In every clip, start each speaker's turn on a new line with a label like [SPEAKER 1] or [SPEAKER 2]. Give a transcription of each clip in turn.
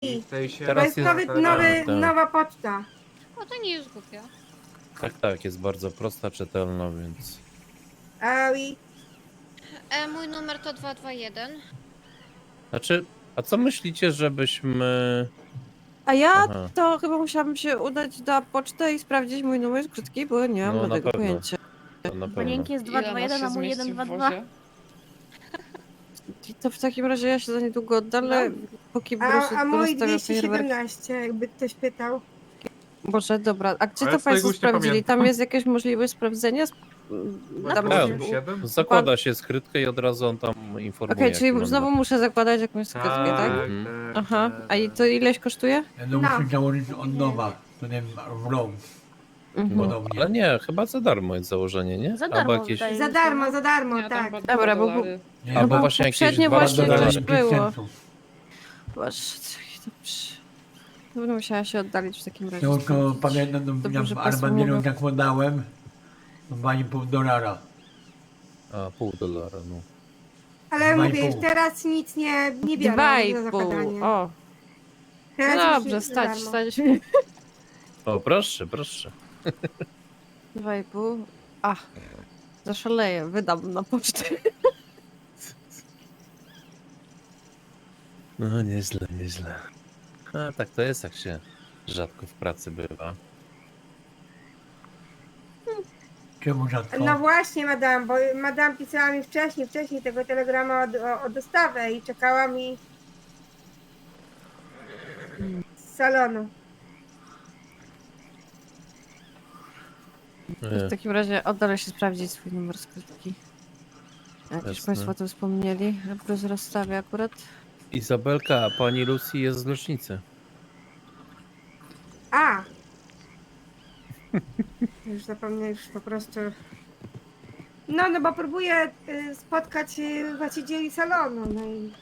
[SPEAKER 1] Teraz jest...
[SPEAKER 2] nowa poczta.
[SPEAKER 3] O, to nie jest głupio.
[SPEAKER 1] Tak, jest bardzo prosta, czytelna, więc...
[SPEAKER 2] Aui.
[SPEAKER 3] Mój numer to 221.
[SPEAKER 1] Znaczy, a co myślicie, żebyśmy...
[SPEAKER 4] A ja
[SPEAKER 1] Aha.
[SPEAKER 4] to chyba musiałabym się udać na pocztę i sprawdzić mój numer skrótki, bo nie mam
[SPEAKER 1] No, na
[SPEAKER 4] żadnego
[SPEAKER 1] pewno.
[SPEAKER 4] pojęcia.
[SPEAKER 1] To na pewno.
[SPEAKER 5] Panienki jest 221, a mój 122.
[SPEAKER 4] I to w takim razie ja się za niedługo oddalę, póki Bruce
[SPEAKER 2] A mój
[SPEAKER 4] rozstawia fajerwerki.
[SPEAKER 2] 217, jakby ktoś pytał.
[SPEAKER 4] Boże, dobra, a gdzie
[SPEAKER 6] Ale
[SPEAKER 4] to
[SPEAKER 6] z tego
[SPEAKER 4] państwo
[SPEAKER 6] już nie
[SPEAKER 4] sprawdzili?
[SPEAKER 6] pamiętam.
[SPEAKER 4] Tam jest jakaś możliwość sprawdzenia? Tam
[SPEAKER 1] Tak.
[SPEAKER 4] może-
[SPEAKER 6] 7?
[SPEAKER 1] Zakłada się skrytkę i od razu on tam informuje.
[SPEAKER 4] Okej,
[SPEAKER 1] jaki
[SPEAKER 4] czyli
[SPEAKER 1] numer.
[SPEAKER 4] znowu muszę zakładać jakąś skrytkę, tak? Aha, a i to ileś kosztuje?
[SPEAKER 7] No muszę założyć od nowa, to nie w rąk.
[SPEAKER 4] Mhm.
[SPEAKER 7] Podobnie.
[SPEAKER 1] Ale nie, chyba za darmo jest założenie, nie?
[SPEAKER 5] Za darmo,
[SPEAKER 1] Albo jakieś...
[SPEAKER 5] wydaje mi się.
[SPEAKER 2] Za darmo, tak.
[SPEAKER 4] Dobra, bo
[SPEAKER 7] Nie,
[SPEAKER 1] Albo
[SPEAKER 4] bo
[SPEAKER 1] właśnie jakieś
[SPEAKER 4] poprzednio
[SPEAKER 1] 2
[SPEAKER 4] właśnie
[SPEAKER 1] dolary.
[SPEAKER 4] coś było. Boże, dobrze. Będę musiała się oddalić w takim razie.
[SPEAKER 7] To
[SPEAKER 4] sprawdzić.
[SPEAKER 7] pamiętam, to
[SPEAKER 4] Dobrze,
[SPEAKER 7] ja
[SPEAKER 4] że
[SPEAKER 7] w
[SPEAKER 4] państwo
[SPEAKER 7] Armadillo
[SPEAKER 4] mówią.
[SPEAKER 7] zakładałem, to $2,5.
[SPEAKER 1] A, $0,5, no.
[SPEAKER 2] Ale
[SPEAKER 7] 2,5.
[SPEAKER 2] mówię, już teraz nic nie biorę
[SPEAKER 4] Dwa
[SPEAKER 2] za
[SPEAKER 4] i pół.
[SPEAKER 2] zakładanie.
[SPEAKER 4] O,
[SPEAKER 2] Teraz już
[SPEAKER 4] dobrze,
[SPEAKER 2] jest za
[SPEAKER 4] stać,
[SPEAKER 2] darmo.
[SPEAKER 4] stać.
[SPEAKER 1] O, proszę.
[SPEAKER 4] 2,5. Ach, zaszaleję, wydam na pocztę.
[SPEAKER 1] No, nieźle. A tak to jest, jak się rzadko w pracy bywa.
[SPEAKER 7] Czemu rzadko?
[SPEAKER 2] No właśnie, madam, bo madam pisała mi wcześniej tego telegrama o dostawę i czekała mi z salonu.
[SPEAKER 4] W takim razie oddalę się sprawdzić swój numer skrytki. Jak już
[SPEAKER 1] Jasne.
[SPEAKER 4] państwo o tym wspomnieli, Bruce rozstawia akurat.
[SPEAKER 1] Izabelka, a pani Lucy jest z Lecznicy.
[SPEAKER 2] A! Już zapomniałem, już po prostu... No bo próbuję spotkać właścicieli salonu, no i...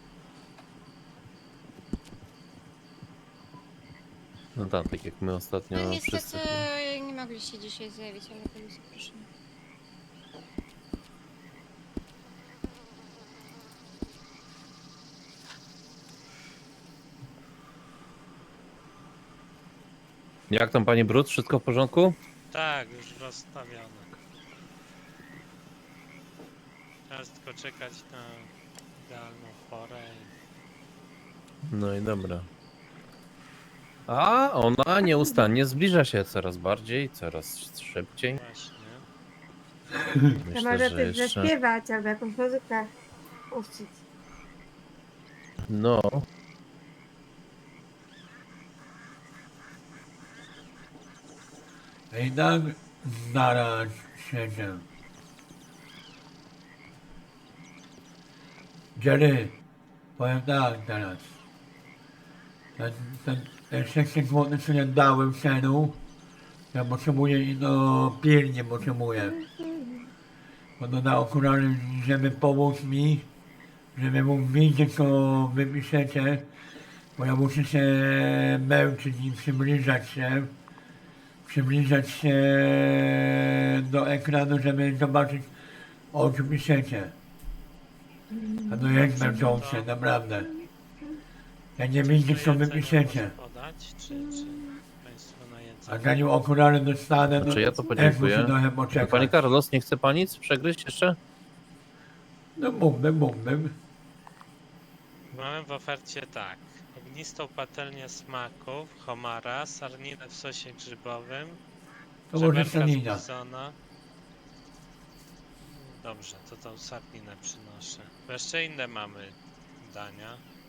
[SPEAKER 1] No tak jak my ostatnio
[SPEAKER 3] No niestety
[SPEAKER 1] wszyscy.
[SPEAKER 3] nie mogli się dzisiaj zjawić, ale byli zaproszeni.
[SPEAKER 1] Jak tam pani Brud? Wszystko w porządku?
[SPEAKER 8] Tak, już rozstawione. Teraz tylko czekać na idealną porę
[SPEAKER 1] No i dobra. A ona nieustannie zbliża się coraz bardziej, coraz szybciej.
[SPEAKER 8] właśnie.
[SPEAKER 2] To
[SPEAKER 1] Myślę,
[SPEAKER 2] może
[SPEAKER 1] że
[SPEAKER 2] coś
[SPEAKER 1] jeszcze.
[SPEAKER 2] zaśpiewać albo jakąś muzykę puścić.
[SPEAKER 1] No.
[SPEAKER 7] I tak zaraz siedzę. Jerry, powiem tak teraz. Ten 600 zł, co ja dałem cenu, ja potrzebuję i no pilnie potrzebuję. Bo to na okulary, żeby pomóc mi, żeby mógł widzieć, co wy piszecie, bo ja muszę się męczyć i przybliżać się do ekranu, żeby zobaczyć, o czym piszecie. A to jest męczące, naprawdę. Ja nie widzę, co wy piszecie.
[SPEAKER 8] Podać, czy Państwo na
[SPEAKER 7] A
[SPEAKER 8] jedzenie?
[SPEAKER 7] zanim okulary dostanę,
[SPEAKER 1] Znaczy ja to
[SPEAKER 7] też
[SPEAKER 1] podziękuję.
[SPEAKER 7] muszę trochę
[SPEAKER 1] A
[SPEAKER 7] poczekać.
[SPEAKER 1] pani Carlos, nie chce pani nic przegryźć jeszcze?
[SPEAKER 7] No mógłbym.
[SPEAKER 8] Mamy w ofercie tak. Ognistą patelnię smaków, homara, sarninę w sosie grzybowym,
[SPEAKER 7] To może
[SPEAKER 8] żeberka z
[SPEAKER 7] sarnina.
[SPEAKER 8] bizona. Dobrze, to tą sarninę przynoszę. Bo jeszcze inne mamy dania.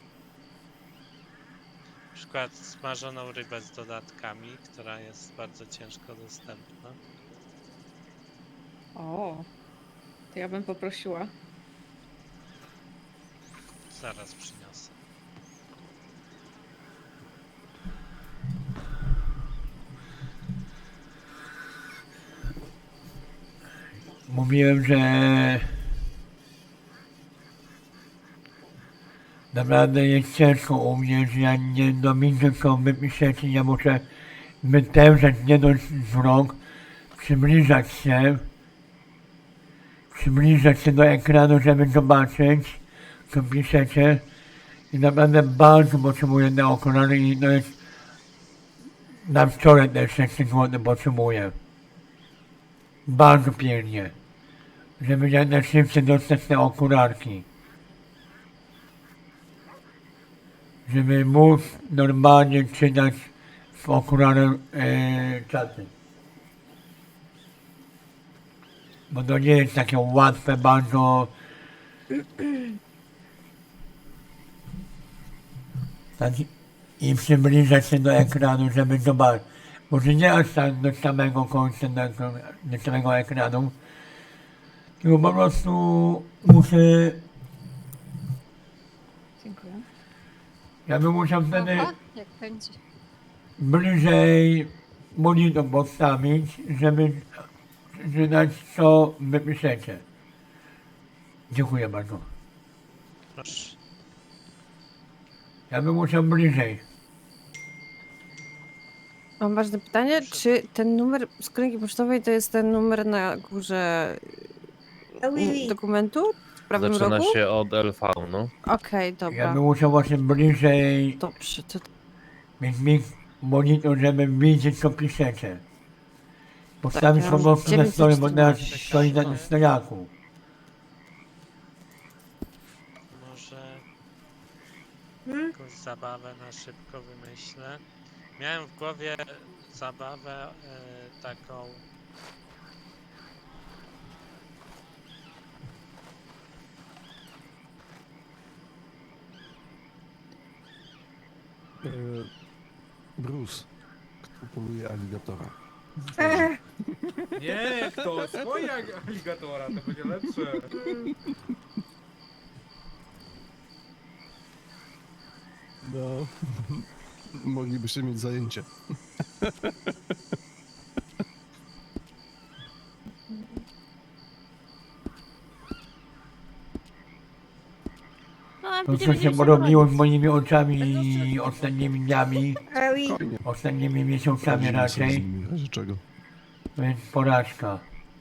[SPEAKER 8] Na przykład smażoną rybę z dodatkami, która jest bardzo ciężko dostępna.
[SPEAKER 5] O, to ja bym poprosiła.
[SPEAKER 8] Zaraz przyniosę.
[SPEAKER 7] Mówiłem, że naprawdę jest ciężko u mnie, że ja nie widzę, co wy piszecie, ja muszę wytężać nie dość wzrok, przybliżać się do ekranu, żeby zobaczyć, co piszecie. I naprawdę bardzo potrzebuję te okulary i to jest na wczoraj te 600 zł potrzebuję. Bardzo pilnie. Żeby jak najszybciej dostać te okularki. Żeby móc normalnie czytać w okularach czaty. Bo to nie jest takie łatwe bardzo. Tak i przybliżać się do ekranu, żeby zobaczyć. Może nie aż tak do samego końca, do samego ekranu. Tylko po prostu muszę.
[SPEAKER 5] Dziękuję.
[SPEAKER 7] Ja bym musiał wtedy
[SPEAKER 3] Oho, jak będzie.
[SPEAKER 7] bliżej monitor postawić, żeby znać co wypiszecie. Dziękuję bardzo.
[SPEAKER 8] Proszę.
[SPEAKER 7] Ja bym musiał bliżej.
[SPEAKER 4] Mam ważne pytanie, czy ten numer skrzynki pocztowej to jest ten numer na górze dokumentu w prawym
[SPEAKER 1] Zaczyna
[SPEAKER 4] rogu?
[SPEAKER 1] się od LV, no.
[SPEAKER 4] Okej,
[SPEAKER 7] Ja
[SPEAKER 4] dobra.
[SPEAKER 7] bym musiał właśnie bliżej
[SPEAKER 4] Dobrze, to
[SPEAKER 7] mieć monitor, żeby widzieć co piszecie. Postawić
[SPEAKER 4] ja
[SPEAKER 7] po
[SPEAKER 4] mam
[SPEAKER 7] prostu na stole, bo teraz
[SPEAKER 4] 914.
[SPEAKER 7] stoi na stojaku.
[SPEAKER 8] Może
[SPEAKER 2] Hmm?
[SPEAKER 8] jakąś zabawę na szybko wymyślę. Miałem w głowie zabawę taką.
[SPEAKER 6] Bruce, kto poluje aligatora?
[SPEAKER 9] Nie, to swoja aligatora, to będzie lepsze.
[SPEAKER 6] No, moglibyście mieć zajęcie.
[SPEAKER 7] To co się porobiło z moimi oczami ostatnimi dniami,
[SPEAKER 2] Eli,
[SPEAKER 6] Spokojnie.
[SPEAKER 7] ostatnimi miesiącami
[SPEAKER 6] Poradzimy sobie z
[SPEAKER 7] raczej,
[SPEAKER 6] nimi w razie czego.
[SPEAKER 7] to jest porażka.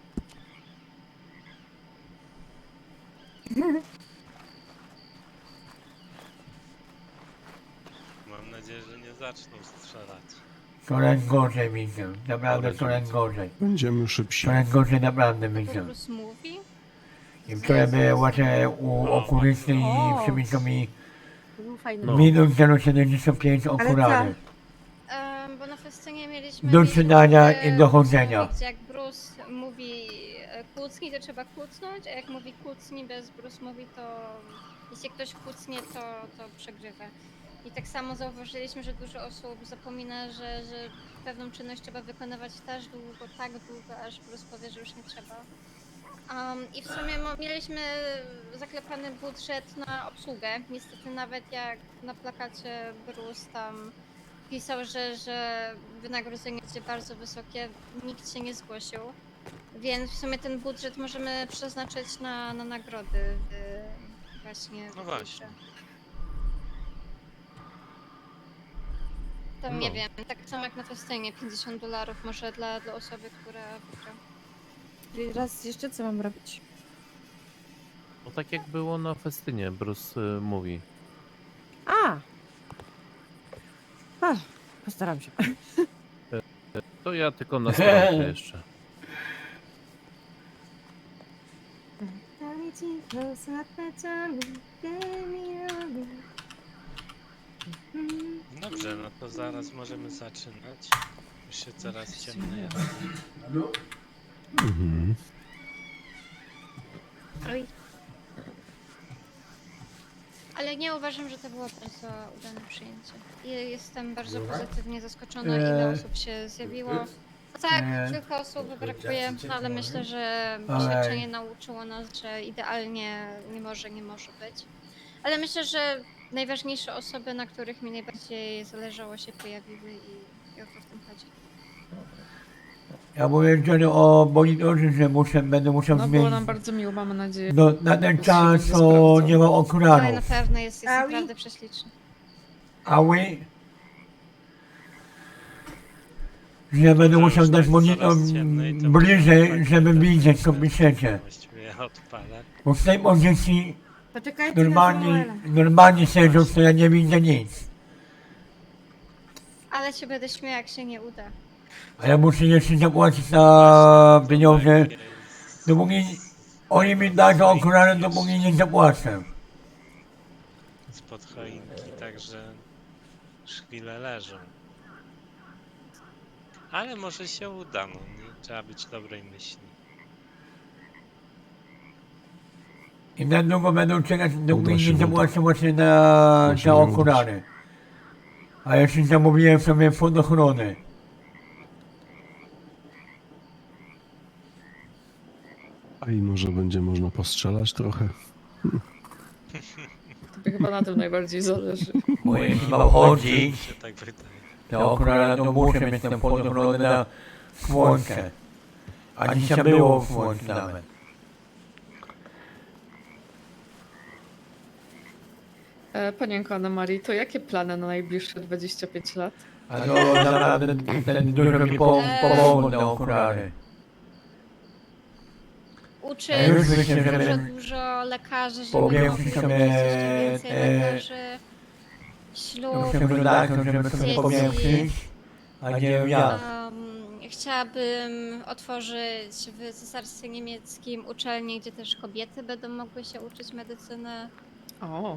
[SPEAKER 8] Mam nadzieję, że nie zaczną strzelać.
[SPEAKER 7] Coraz gorzej widzę, naprawdę coraz gorzej.
[SPEAKER 6] Będziemy szybsi.
[SPEAKER 7] Coraz gorzej naprawdę
[SPEAKER 3] To
[SPEAKER 7] widzę.
[SPEAKER 3] Bruce mówi.
[SPEAKER 7] I wczoraj byłem właśnie u okulysty i
[SPEAKER 4] O.
[SPEAKER 7] przypisał mi
[SPEAKER 4] To był fajny.
[SPEAKER 1] No.
[SPEAKER 7] minus 0,75 okulary.
[SPEAKER 3] Bo na festynie mieliśmy...
[SPEAKER 7] Do
[SPEAKER 3] mieliśmy
[SPEAKER 7] czytania
[SPEAKER 3] takie
[SPEAKER 7] i dochodzenia.
[SPEAKER 3] posłowie, gdzie jak Bruce mówi kucnij, to trzeba kucnąć, a jak mówi kucnij bez Bruce mówi, to jeśli ktoś kucnie, to przegrywa. I tak samo zauważyliśmy, że dużo osób zapomina, że pewną czynność trzeba wykonywać też długo, tak długo, aż Bruce powie, że już nie trzeba. I w sumie mieliśmy zaklepany budżet na obsługę. Niestety nawet jak na plakacie Bruce tam pisał, że wynagrodzenie będzie bardzo wysokie, nikt się nie zgłosił. Więc w sumie ten budżet możemy przeznaczyć na nagrody właśnie w
[SPEAKER 8] No
[SPEAKER 3] grze.
[SPEAKER 8] właśnie.
[SPEAKER 3] Tam
[SPEAKER 1] No.
[SPEAKER 3] nie wiem, tak samo jak na festynie, $50 może dla osoby, która wygra.
[SPEAKER 4] Czyli raz jeszcze co mam robić?
[SPEAKER 1] No tak jak było na festynie, Bruce mówi.
[SPEAKER 4] A! Postaram się.
[SPEAKER 1] To ja tylko na stronę jeszcze.
[SPEAKER 8] Dobrze, no to zaraz możemy zaczynać. Już się coraz ciemniej.
[SPEAKER 6] Mhm.
[SPEAKER 3] Oj. Ale nie uważam, że to było bardzo udane przyjęcie. I jestem bardzo pozytywnie zaskoczona, ile osób się zjawiło. No tak, kilka osób brakuje, no ale myślę, że doświadczenie nauczyło nas, że idealnie nie może być. Ale myślę, że najważniejsze osoby, na których mi najbardziej zależało, się pojawiły i o to w tym chodzi.
[SPEAKER 7] Ja mówię Johnny o monitorze, że będę musiał
[SPEAKER 5] No było nam
[SPEAKER 7] zmienić.
[SPEAKER 5] bardzo miło, mamy nadzieję.
[SPEAKER 7] No, na ten
[SPEAKER 5] się
[SPEAKER 7] czas
[SPEAKER 5] będzie
[SPEAKER 7] to
[SPEAKER 5] sprawdzał.
[SPEAKER 7] nie mam
[SPEAKER 3] Ale na
[SPEAKER 7] okularów.
[SPEAKER 3] pewno jest
[SPEAKER 2] Aui.
[SPEAKER 3] naprawdę prześliczny.
[SPEAKER 7] A wy? Że ja będę
[SPEAKER 8] Że
[SPEAKER 7] musiał
[SPEAKER 8] już
[SPEAKER 7] dać
[SPEAKER 8] tak
[SPEAKER 7] monitor
[SPEAKER 8] coraz ciemniej, to
[SPEAKER 7] bliżej,
[SPEAKER 8] tak
[SPEAKER 7] żeby
[SPEAKER 8] tak
[SPEAKER 7] widzieć co
[SPEAKER 8] tak
[SPEAKER 7] piszecie.
[SPEAKER 8] Właściwie odpalę.
[SPEAKER 7] Bo z tej pozycji
[SPEAKER 2] Poczekajcie
[SPEAKER 7] Normalnie,
[SPEAKER 2] na
[SPEAKER 7] normalnie siedzą, to ja nie widzę nic.
[SPEAKER 3] Ale się będę śmiał, jak się nie uda.
[SPEAKER 7] A ja muszę jeszcze zapłacić na pieniądze. Dopóki oni mi dadzą okulary, dopóki nie zapłacę.
[SPEAKER 8] Spod choinki, także już chwilę leżą. Ale może się uda, no nie trzeba być dobrej myśli.
[SPEAKER 7] I na długo będą czekać, dopóki
[SPEAKER 6] się
[SPEAKER 7] nie
[SPEAKER 6] uda.
[SPEAKER 7] zapłacę właśnie na
[SPEAKER 6] Może
[SPEAKER 7] te
[SPEAKER 6] nie
[SPEAKER 7] okulary. A jeszcze zamówiłem sobie wodochrony.
[SPEAKER 6] A i może będzie można postrzelać trochę.
[SPEAKER 5] Tobie chyba na tym najbardziej zależy.
[SPEAKER 7] Moje chyba chodzi,
[SPEAKER 8] Mi się tak wydaje.
[SPEAKER 7] te okulary to muszę mieć ten wodochrony na słońce. A dzisiaj było słońce nawet.
[SPEAKER 5] Panienko Anna Marii, to jakie plany na najbliższe 25 lat?
[SPEAKER 7] A to naprawdę ten dużo mi pomogło te okulary.
[SPEAKER 3] Uczyć
[SPEAKER 7] już myślę, że
[SPEAKER 3] dużo, dużo lekarzy, żeby
[SPEAKER 7] powiem
[SPEAKER 3] mogli
[SPEAKER 7] sobie,
[SPEAKER 3] robić jeszcze więcej lekarzy. Ślub,
[SPEAKER 7] Muszę wydać, żeby sobie
[SPEAKER 3] dzieci.
[SPEAKER 7] powiększyć, a nie ja.
[SPEAKER 3] Chciałabym otworzyć w Cesarstwie Niemieckim uczelnię, gdzie też kobiety będą mogły się uczyć medycyny.
[SPEAKER 5] O,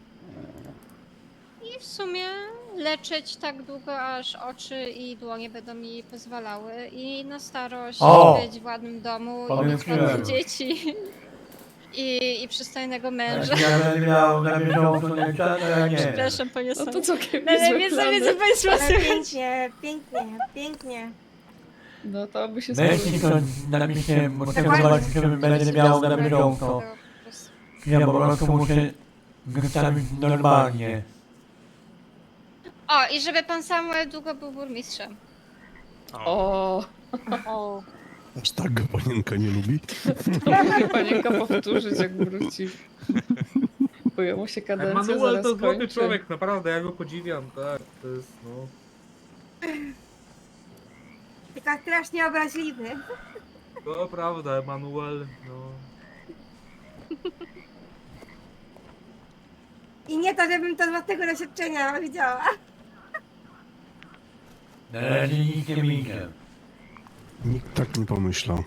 [SPEAKER 3] I w sumie leczyć tak długo, aż oczy i dłonie będą mi pozwalały. I na starość
[SPEAKER 7] O!
[SPEAKER 3] być w ładnym domu i
[SPEAKER 7] Powiem
[SPEAKER 3] mieć ładnych
[SPEAKER 7] szczerze.
[SPEAKER 3] dzieci. I przystojnego męża.
[SPEAKER 7] Jak ja będę miał na bieżąco ten czas, to ja nie wiem.
[SPEAKER 3] Przepraszam, panie
[SPEAKER 5] no
[SPEAKER 3] Sanie.
[SPEAKER 5] to całkiem
[SPEAKER 3] Ale
[SPEAKER 5] niezłe
[SPEAKER 3] wiedzą,
[SPEAKER 5] plany.
[SPEAKER 3] wiedzą państwo,
[SPEAKER 2] Ale
[SPEAKER 3] słychać.
[SPEAKER 2] pięknie, pięknie, pięknie.
[SPEAKER 5] No to by się
[SPEAKER 7] Mężczyzn
[SPEAKER 5] spełniło.
[SPEAKER 7] to napiszę, muszę zobaczyć, czy będę miał na bieżąco. Ja po prostu muszę wystawić normalnie.
[SPEAKER 3] O, i żeby pan Samuel długo był burmistrzem.
[SPEAKER 8] O,
[SPEAKER 5] O,
[SPEAKER 6] Aż tak go panienka nie lubi.
[SPEAKER 5] to musi panienka powtórzyć, jak wróci. Bo jemu się kadencja
[SPEAKER 9] Emanuel
[SPEAKER 5] zaraz
[SPEAKER 9] to złoty
[SPEAKER 5] kończy.
[SPEAKER 9] człowiek, naprawdę, ja go podziwiam, tak, to jest, no...
[SPEAKER 2] Tylko strasznie obraźliwy.
[SPEAKER 9] To prawda, Emanuel, no...
[SPEAKER 2] I nie to, żebym to z własnego doświadczenia widziała.
[SPEAKER 7] Na razie nic nie widzę.
[SPEAKER 6] Nikt tak nie pomyślał.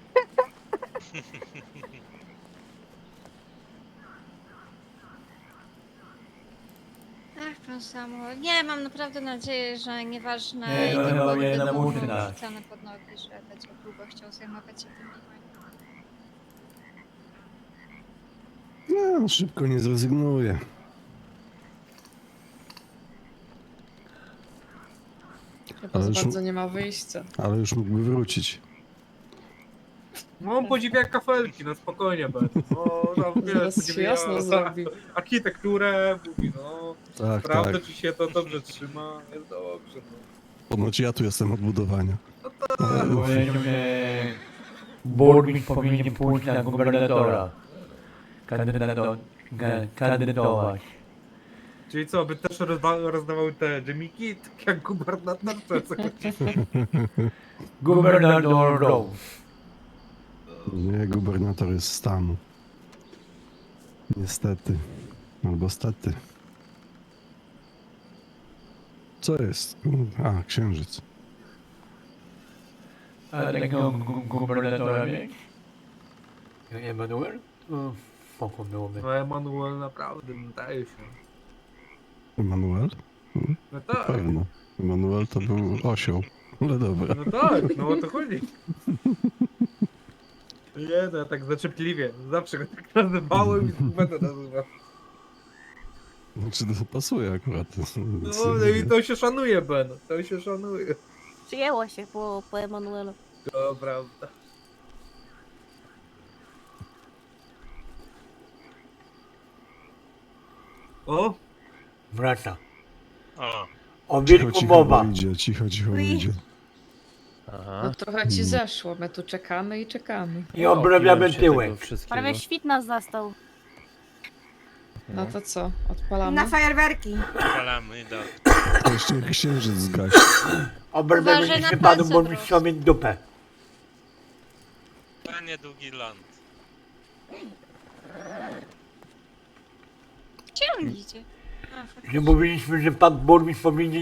[SPEAKER 3] Ach, pan Samuel. Nie, mam naprawdę nadzieję, że nieważne
[SPEAKER 7] Nie,
[SPEAKER 3] jakie
[SPEAKER 7] no chyba
[SPEAKER 3] byłoby
[SPEAKER 7] mnie
[SPEAKER 3] do
[SPEAKER 7] na
[SPEAKER 3] domu
[SPEAKER 7] muszy dać.
[SPEAKER 3] wrzucane pod nogi, że będzie długo chciał zajmować się tym miłym.
[SPEAKER 6] No, szybko nie zrezygnuje.
[SPEAKER 5] Chyba
[SPEAKER 6] Ale
[SPEAKER 5] za
[SPEAKER 6] już-
[SPEAKER 5] bardzo nie ma wyjścia.
[SPEAKER 6] Ale już mógłby wrócić.
[SPEAKER 9] No on podziwia kafelki, no spokojnie, Ben. No, tam wiesz,
[SPEAKER 5] Zaraz się
[SPEAKER 9] podziwia
[SPEAKER 5] jasno zrobi.
[SPEAKER 9] architekturę, mówi, no...
[SPEAKER 6] Tak,
[SPEAKER 9] Prawda,
[SPEAKER 6] tak.
[SPEAKER 9] czy się to dobrze trzyma? Jest dobrze, no.
[SPEAKER 6] Ponoć ja tu jestem od budowania.
[SPEAKER 7] Powiedział, że burmistrz powinien pójść na gubernatora. Kandydować.
[SPEAKER 9] Czyli co, by też rozdawał te dżemiki, tak jak gubernator, czy co?
[SPEAKER 7] Gubernator Rose.
[SPEAKER 6] Nie, gubernator jest stanu. Niestety. Albo stety. Co jest? A, księżyc.
[SPEAKER 7] A takiego gubernatora mieć? Ja nie Emanuel? To spoko byłoby.
[SPEAKER 9] No Emanuel naprawdę daje się.
[SPEAKER 6] Emanuel?
[SPEAKER 9] No tak,
[SPEAKER 6] Pewno. Emanuel to był osioł. Ale dobra.
[SPEAKER 9] no tak, no o to chodzi. Nie no, tak zaczepliwie, zawsze go tak nazywałem i będę nazywał.
[SPEAKER 6] Znaczy to pasuje akurat.
[SPEAKER 9] No i to się szanuje, Ben, to się szanuje.
[SPEAKER 10] Przyjęło się po Emanuelu.
[SPEAKER 9] To prawda. O,
[SPEAKER 7] Wraca.
[SPEAKER 8] o,
[SPEAKER 7] O
[SPEAKER 6] Cicho,
[SPEAKER 7] wilku
[SPEAKER 6] cicho,
[SPEAKER 7] Boba.
[SPEAKER 6] bo idzie, cicho, cicho, bo
[SPEAKER 2] Ui.
[SPEAKER 6] idzie.
[SPEAKER 1] Aha.
[SPEAKER 5] No trochę ci zeszło, my tu czekamy i czekamy.
[SPEAKER 7] I obrabiamy
[SPEAKER 1] Opiłem się tego
[SPEAKER 7] tyłek.
[SPEAKER 1] wszystkiego.
[SPEAKER 10] Prawie świt nas zastał.
[SPEAKER 5] No to co, odpalamy?
[SPEAKER 2] Na fajerwerki.
[SPEAKER 8] palamy do...
[SPEAKER 6] To jeszcze księżyc zgasi.
[SPEAKER 7] Obrabiamy
[SPEAKER 3] Uważaj na
[SPEAKER 7] się panu
[SPEAKER 3] palce,
[SPEAKER 7] burmistrzowi dupę.
[SPEAKER 8] Panie długi ląd.
[SPEAKER 3] Gdzie on idzie? A,
[SPEAKER 7] Że mówiliśmy, że pan burmistrz powinien